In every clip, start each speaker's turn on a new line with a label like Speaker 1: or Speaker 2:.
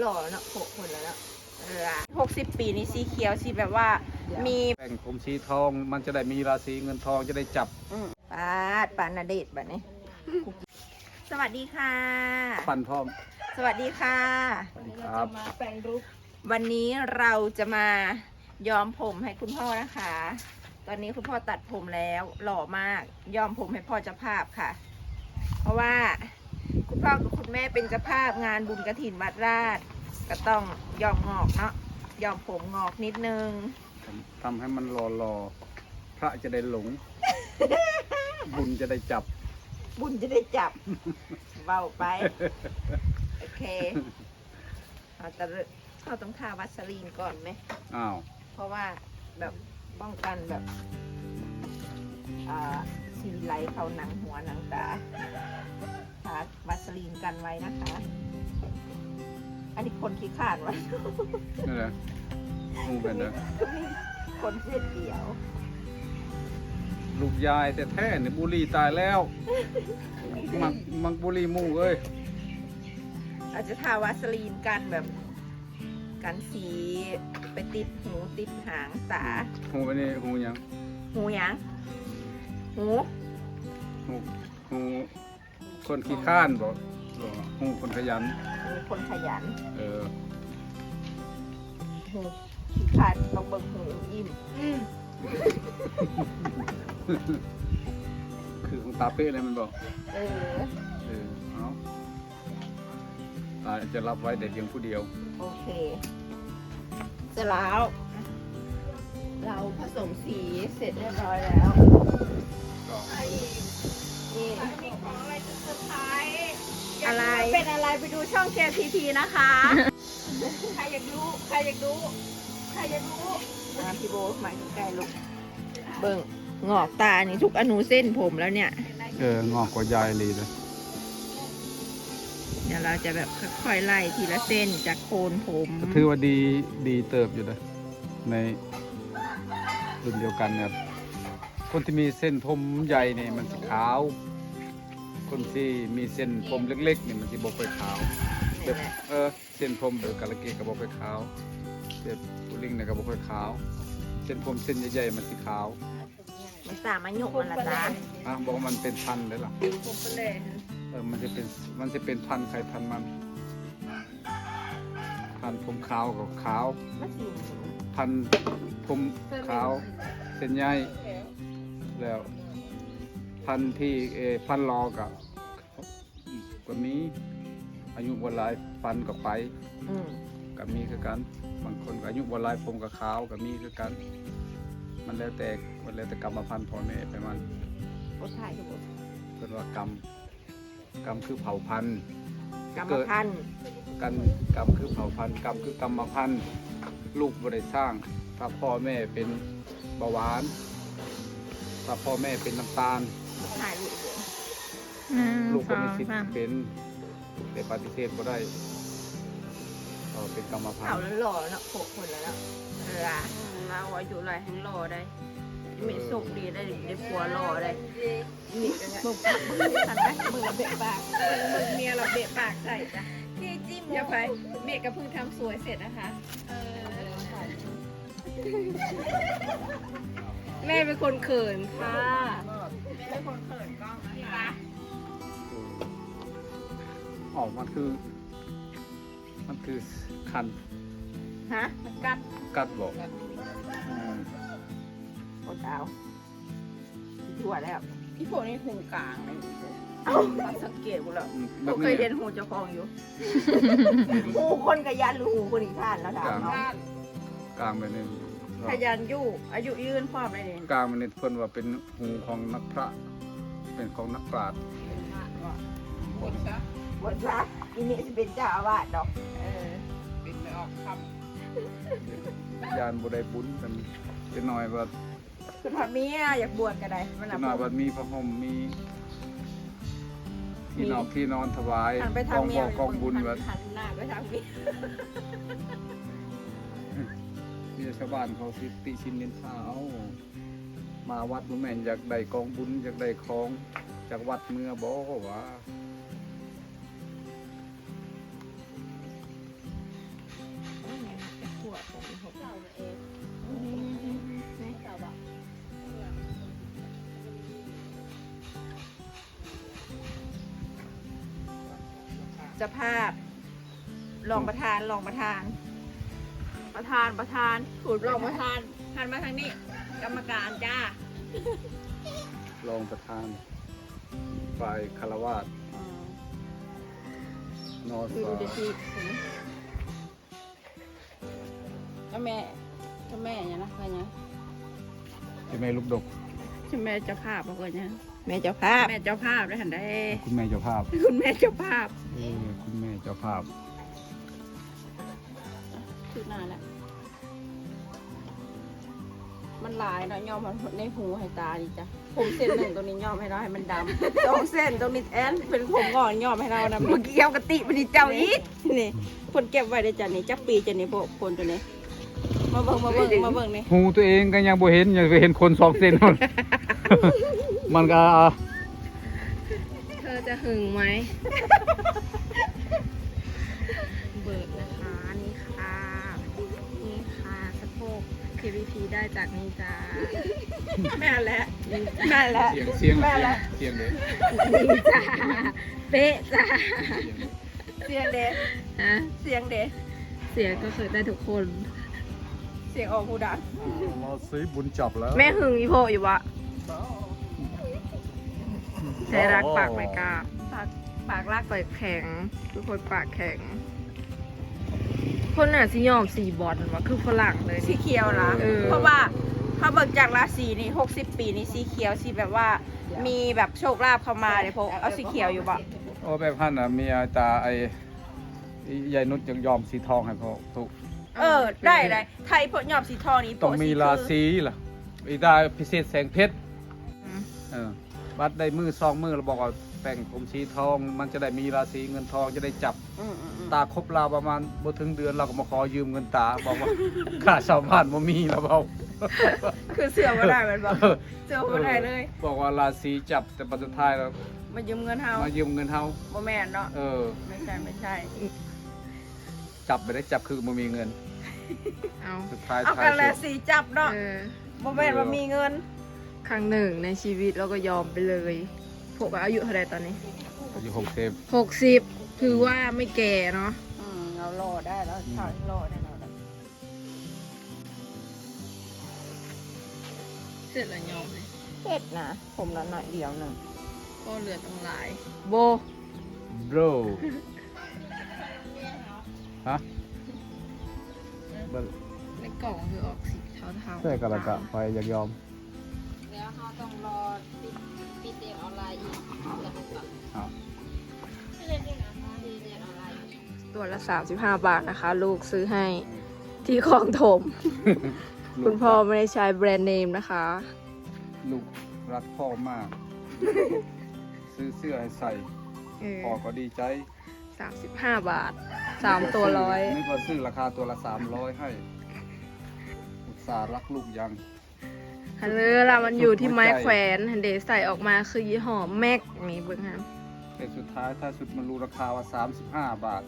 Speaker 1: หล่อเนาะคนแล้วเนาะ60 ปีนี่สีเขียวสีแบบว่ามี
Speaker 2: แป้งผมสีทองมันจะได้มีราศีเงินทองจะได้จับ
Speaker 1: ปานาเดชแบบนี้ สวัสดีค่ะ
Speaker 2: ฟันพร้อม
Speaker 1: สวัสดีค่ะ
Speaker 2: สวัสดีครับ
Speaker 3: มาแปลงรูป
Speaker 1: วันนี้เราจะมาย้อมผมให้คุณพ่อนะคะ ตอนนี้คุณพ่อตัดผมแล้วหล่อมากย้อมผมให้พ่อเจ้าภาพค่ะ เพราะว่าคุณพ่อกับคุณแม่เป็นเจ้าภาพงานบุญกฐินวัดราชก็ต้องย้อมงอกเนาะย้อมผมงอกนิดนึง
Speaker 2: ทำให้มันรอพระจะได้หลง บุญจะได้จับ
Speaker 1: บุญจะได้จับ เบาไป โอเคเราต้องทาวัสลีนก่อนไหม
Speaker 2: อ้าว
Speaker 1: เพราะว่าแบบป้องกันแบบสีไหลเข้าหนังหัวหนังตาทาวัสลีนกันไว้นะคะ อันนี้คนขี้ขาดวะ
Speaker 2: นี่นแหละมูเป็นนะ
Speaker 1: คนเส้นเดียว
Speaker 2: ลูกยายแต่แท้เนี่ยบุหรีตายแล้ว มักบุหรีมูเอ้ย
Speaker 1: อาจจะทาวัสลีนกันแบบกันสีไปติดหูติดหางตา
Speaker 2: หูไปนี่หูยัง
Speaker 1: หูหยังหู
Speaker 2: หูคนขี้ข้านบอกหูคนขยัน
Speaker 1: หูคนขยัน
Speaker 2: เออ
Speaker 1: หูขี้ขาดต้องเบิ่งหูอิ่ม
Speaker 2: คือของตาเป๊ะเลยมันบอก
Speaker 1: เออ
Speaker 2: เอาตาจะรับไว้แต่เพียงผู้เดียว
Speaker 1: โอเคเสร็จแล้ว เราผสมสีเสร็จเรียบร้อยแล้ว
Speaker 2: ก็
Speaker 1: นี่
Speaker 3: มีของอะไรจะเซอร์ไพรส์
Speaker 1: อะไร
Speaker 3: เป็นอะไรไปดูช่อง KTP นะคะ ใครอยากรู้ใครอยากรู้ใครอยากรู้
Speaker 1: พี่โบหมายถึงใกล้ลูกเบิ่งงอกตานี่ทุกอนูเส้นผมแล้วเนี่ย
Speaker 2: งอกกว่ายายเลยเลย
Speaker 1: เดี๋ยวเราจะแบบค่อยๆไล่ทีละเส้นจากโคนผม
Speaker 2: ถือว่าดีเติบอยู่นะในรุ่นเดียวกันครับคนที่มีเส้นผมใหญ่เนี่ยมันสีขาว คนที่มีเส้นผมเล็กๆเนี่ยมันสีบกไปขาวแบบเส้นผมแบบกาลเกตกับบกไปขาวแบบตุลิงเนี่ยกับบกไปขาว เส้นผมเส้นใหญ่ๆมันสีขาว
Speaker 1: มันตามมาหยกมันละจ้า
Speaker 2: บอกว่ามันเป็นพันธุ์เลยล่ะ
Speaker 3: ผมไปเลย
Speaker 2: มันจะเป็นพันธุ์ใครพันธุ์มันพันธุ์ผมขาวกับขาว
Speaker 1: มันสี
Speaker 2: พันธุ์ผมขาวเส้นใยแล้วพันธุ์ที่พันธุ์รอกับก็มีอายุวันหลายพันกับไปกับมีคือกันบางคนก็อายุวันหลายผมกับขาวกับมีคือกัน มันแล้วแต่กรรมพันธุ์พ่อแม่ไปมัน
Speaker 1: โอ้ถ่ายทุกคน
Speaker 2: เรียกว่ากรรมคือเผ่าพันธุ์
Speaker 1: กรรมพันธุ์
Speaker 2: กรรมคือเผ่าพันธุ์กรรมคือกรรมพันธุ์ลูกบริสร้าง ถ้าพ่อแม่เป็นเบาหวาน ถ้าพ่อแม่เป็นน้ำตาล
Speaker 1: ถ่ายรูปเลย
Speaker 2: ลูกก็มีสิทธิ์เป็นแต่ปฏิเสธก็ได้เป็นกรรมพัน
Speaker 1: เอา
Speaker 2: ธุ์
Speaker 1: แล้วหล่อเนาะคนแล้วเนาะเราอายุอะไรหล่อได้มีสุขดีได้ผัวหล่อได้มีกันเนี่ยทันไหมมือเบะปากมือเมียเราเบะปากใส่จ้ะที่จิ้ม
Speaker 3: อย่าไปเมย์ก็เพิ่งทำสวยเสร็จนะคะ แม่เป็นคนเขินค่ะเป็นคนเขินกล้องนะคะ
Speaker 2: ออกมันคือคัน
Speaker 1: ฮะ
Speaker 2: กัดบอก
Speaker 1: โอ้ดาวถั่วแล้ว
Speaker 3: พี่โผล่นี่หูกลางเลย
Speaker 1: เอ้าสังเกตกูแล้ว
Speaker 2: แบ
Speaker 1: กู
Speaker 2: บ
Speaker 1: เค
Speaker 2: นี้
Speaker 1: ยเรียนหูเจ้าของอยู่ หูคนขยันหรือหูคนอีกท่านแล้วถามเนาะ
Speaker 2: กลางไปนี่
Speaker 1: ขยันอยู่อายุยืนพร้อมเลยเนี่ย
Speaker 2: กลางไปนี่เพิ่นว่าเป็นหูของนักพระ เป็นของนักปราชญ์
Speaker 3: หมดซะ
Speaker 1: บทรักอีนี่จะเป็นเจ้าอาวาสดอก
Speaker 3: เป็นไม่ออกค
Speaker 2: ยานบุได้บุญกันจะหน่อยว่า
Speaker 1: คือทำเมียอยากบวชก็ได้มัน
Speaker 2: จะ
Speaker 1: น่ะ
Speaker 2: หน่อยว่ามีพระห่มมีที่นอนถวาย
Speaker 1: หันไป
Speaker 2: ก
Speaker 1: ทาง
Speaker 2: อง
Speaker 1: เมี
Speaker 2: บ
Speaker 1: ย
Speaker 2: อกกองบุญว่า
Speaker 1: หันหน้าไปทางเมีย
Speaker 2: ที่ชาวบ้านเขาสิติชินนินทาเอามาวัดบ่แม่นอยากได้กองบุญอยากได้ของจากวัดเมื่อบ่ว่า
Speaker 1: จะภาพรองประธาน
Speaker 3: ถูดรองประธานหันมาทางนี้ กรรมการจ้าร
Speaker 2: องประธานฝ่ายคารวาสนอส
Speaker 3: ดูดิสิก็แม่เนี่ยนะใครเนี่ย
Speaker 2: ที่แม่ลูกดก
Speaker 3: ชื่อแม่เจ้าภาพบอกว่าเนี่ย
Speaker 1: แม่เจ้าภาพ
Speaker 3: แม่เจ้าภาพได้หันได้
Speaker 2: คุณแม่เจ้าภาพ
Speaker 3: คุณแม่เจ้าภาพ
Speaker 2: คุณแม่เจ้าภาพ
Speaker 3: ชื่อหน้าแหละมันหลายเนาะย่อมมันในหูให้ตาดิจ้ะผมเส้นหนึ่งตรงนี้ย่อมให้เราให้มันดำ 2 เส้นตรงนี้แอนเป็นผมงอนย่อมให้เราดำ
Speaker 1: เมื่อกี้เอากะติมันนี่เจ้าอีก
Speaker 3: นี่คนเก็บไว้ได้จ้ะนี่จักปีจะนี่พวกคนตัวนี้มาเบิ่งนี่
Speaker 2: หูตัวเองก็ยังบ่เห็นยังไปเห็นคน2 เซนหมด มันก็
Speaker 3: เธอจะหึงไหมเบิกนะคะนี่ค่ะสะโพก KVP ได้จากนี่จ้า
Speaker 1: แม่แหละ
Speaker 2: เสียงเลย
Speaker 3: นี่จ้าเป๊ะจ้า
Speaker 1: เสียงเด็
Speaker 3: ฮะ
Speaker 1: เสียงเด็
Speaker 3: เสียงก็เคยได้ทุกคน
Speaker 1: เสียงออกหูดัง
Speaker 2: เราซื้อบุญจับแล้ว
Speaker 3: แม่หึงอีโพอยู่วะใช้รักปากไม่กล้าปากรักปากแข็งทุกคนปากแข็ง คนน่ะสิยอมสีบอลวะคือฝรั่งเลย
Speaker 1: สีเขียวนะ
Speaker 3: เออ
Speaker 1: เพราะว่าถ้าเบิกจากราศีนี่60 ปีนี่สีเขียวสีแบบว่ามีแบบโชคลาภเข้ามาเลยพวกเอาสีเขียวอยู่บ่
Speaker 2: โอ้แบบพันน่ะมีอาจารย์ไอ้ยายนุชยังยอมสีทองให้พอถูก
Speaker 1: ได้ไทยพวกยอบสีทองนี่
Speaker 2: ต้องมีราศีล่ะอีได้พิเศษแสงเพชรบัดได้มือ2 มือเราบอกว่าแต่งผมสีทองมันจะได้มีราศีเงินทองจะได้จับ ตาครบเราประมาณบ่ถึงเดือนเราก็มาขอยืมเงินตาบอกว่า ค่าชาวบ้านบ่มีแล้วเบา
Speaker 1: คือเสือมาได้มันบอกเสือมาได้เลย
Speaker 2: บอกว่าราศีจับแต่ปัจจุท้ายแล้ว
Speaker 1: มายืมเงินเฮา
Speaker 2: มายืมเงินเฮา
Speaker 1: บ่แม่นเนาะ ไม่ใช่
Speaker 2: จับไปได้จับคือบ่มีเงิน
Speaker 3: เอา
Speaker 2: สุดท้าย
Speaker 1: เอา
Speaker 2: ท้าย
Speaker 1: กันแหละ
Speaker 2: สุด
Speaker 1: สีจับเนาะ
Speaker 3: เออ
Speaker 1: บ่แม่นว่ามีเงิน
Speaker 3: ครั้งหนึ่งในชีวิตเราก็ยอมไปเลยพวกอายุเท่าไหรตอนนี้
Speaker 2: อายุ
Speaker 3: 60คือว่าไม่แก่เนาะ
Speaker 1: เรารอได้แล้วชาวรอได้แล้ว
Speaker 3: เสร็จแล้วยอมเลย
Speaker 1: เผ็ดนะผมละหน่อยเดียวหนึ่ง
Speaker 3: ก็เหลือต้องหลาย โบ
Speaker 2: โบรฮะ
Speaker 3: ในกล่องคือออกสีเทาๆ
Speaker 2: ใช่กะละกะไปอยากยอม
Speaker 3: แล้วเขาต้องรอปิดเรียนออนไลน์อีก
Speaker 2: ครับ
Speaker 3: ตัวละ35 บาทนะคะ ลูกซื้อให้ที่คลองถม คุณพ่อไม่ได้ใช้แบรนด์เนมนะคะ
Speaker 2: ลูกรักพ่อมาก ซื้อเสื้อให้ใส่ พ่อก็ดีใจ
Speaker 3: 35 บาท 3 ตัวร้อย
Speaker 2: นึกว่าซื้อราคาตัวละ300ให้ อุตส่าห์รักลูกยัง
Speaker 3: ฮัลโหลล่ะมันอยู่ที่ไม้แขวนฮันเดใส่ออกมาคือยี่ห้อแม็กนี่เบิ่งฮะ
Speaker 2: แต่สุดท้ายถ้าสุดมันรู้ราคาว่า35 บาท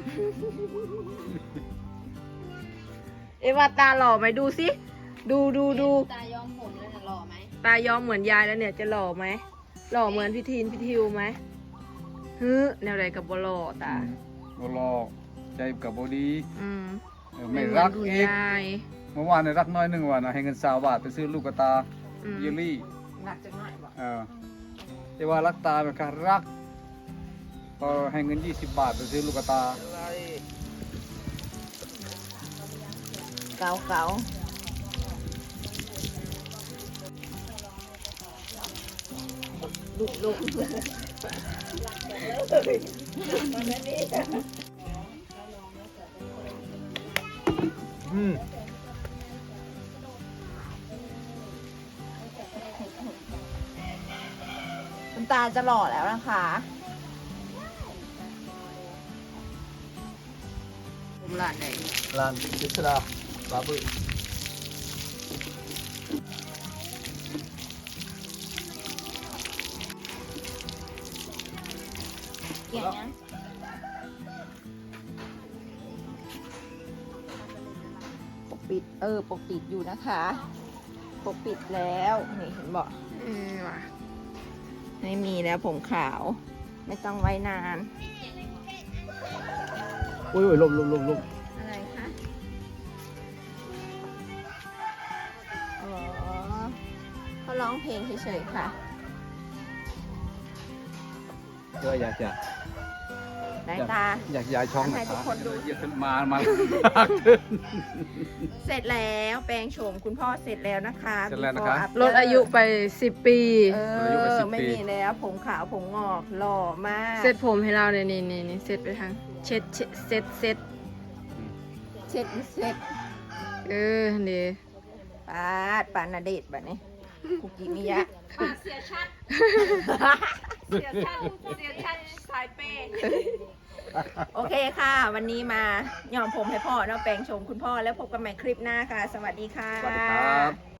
Speaker 3: เอว่าตาหล่อไหมดูสิดู
Speaker 4: ตายอมผมเลยนะหล่อไหม
Speaker 3: ตายอมเหมือนยายแล้วเนี่ยจะหล่อไหมหล่อเหมือนพี่ทีนพี่ทิวไหมฮึแนวใดกับบหล่อตา
Speaker 2: บ่รอใจกับบดี
Speaker 3: อืม
Speaker 2: ไม่รัก
Speaker 3: เหมือนคุณ
Speaker 2: อีก
Speaker 3: ยาย
Speaker 2: เมื่อวานในรักน้อยหนึ่งวันนะให้เงิน20 บาทไปซื้อลูกกระตา
Speaker 3: อืม
Speaker 2: เยลลี่
Speaker 1: หนักจังหน่อยบอก
Speaker 2: แต่ว่ารักตาแบบการรักพอให้เงิน20 บาทไปซื้อลูกกระตา
Speaker 1: เกาลุกคุณตาจะหล่อแล้วนะคะ
Speaker 3: ผมหลานไหน
Speaker 2: ร้านพิศดาบาบือ
Speaker 1: เกี่ยงยังปิดปกปิดอยู่นะคะปกปิดแล้วนี่เห็นบอก
Speaker 3: ว่ะ
Speaker 1: ไม่มีแล้วผมขาว ไม่ต้องไว้นาน
Speaker 2: โอ้ยลม
Speaker 1: อะไรคะอ๋อเขาร้องเพลงเฉยๆค่ะ
Speaker 2: ก็อยากจะ
Speaker 1: ไหนตา
Speaker 2: อยากย้ายช่อง
Speaker 1: ให้
Speaker 2: นะ
Speaker 1: ทุกคนดู
Speaker 2: เยอะขึ้นมา
Speaker 1: เสร็จแล้วแปลงโฉมคุณพ่อเสร็จแล้วนะคะ
Speaker 2: เสร็จแล้วนะคะ
Speaker 1: Before After
Speaker 3: ลดอายุไป10 ปี
Speaker 2: ลดอายุไป10
Speaker 1: ไม่
Speaker 2: ปี
Speaker 1: มีแล้วผมขาวผมงอกหล่อมาก
Speaker 3: เซ็ตผมให้เราเนี่ยนี่เซ็ตไปทางเช็ดเซ็ต
Speaker 1: เช็ดเช็ด
Speaker 3: เดี๋ยว
Speaker 1: ปานาเดชแบบนี้คุกิมิยะ
Speaker 3: เสียชัดสายเปย์
Speaker 1: โอเคค่ะ วันนี้มายอมผมให้พ่อเนาะแปลงโฉมคุณพ่อแล้วพบกันใหม่คลิปหน้าค่ะ สวัสดีค่ะ
Speaker 2: สวัสดีครับ